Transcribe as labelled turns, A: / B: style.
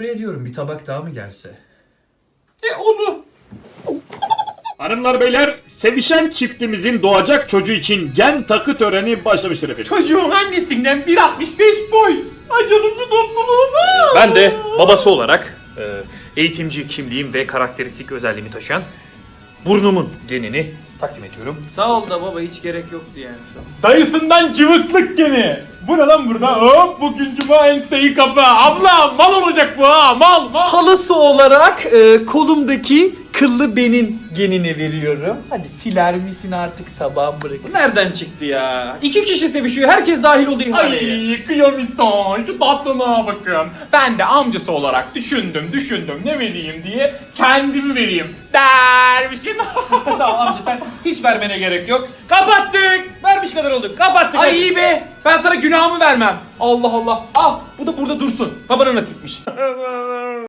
A: Sofra ediyorum, bir tabak daha mı gelse?
B: Onu.
C: Hanımlar beyler, sevişen çiftimizin doğacak çocuğu için gen takı töreni başlamıştır efendim.
B: Çocuğun annesinden 1.65 boy. Ay canım şu topluluğuma.
D: Ben de babası olarak eğitimci kimliğim ve karakteristik özelliğimi taşıyan burnumun genini takdim ediyorum.
E: Sağ ol da baba, hiç gerek yoktu yani.
B: Dayısından cıvıklık geni. Bu ne lan burada? Hop bugün cuma enseyi kapı. Abla mal olacak bu ha, mal.
E: Halası olarak kolumdaki kıllı benin genini veriyorum. Hadi siler misin artık, sabah bırak. Bu nereden çıktı ya? 2 kişi sevişiyor, herkes dahil oldu ihaleye.
B: Ay kıyamison şu tatlına bakın. Ben de amcası olarak düşündüm ne vereyim diye kendimi vereyim dermişim.
E: Tamam amca, sen hiç vermene gerek yok. Kapattık. Vermiş kadar olduk. Kapattık.
B: Ay iyi be, ben sana günahımı vermem. Allah Allah. Al bu da burada dursun. Babana nasipmiş.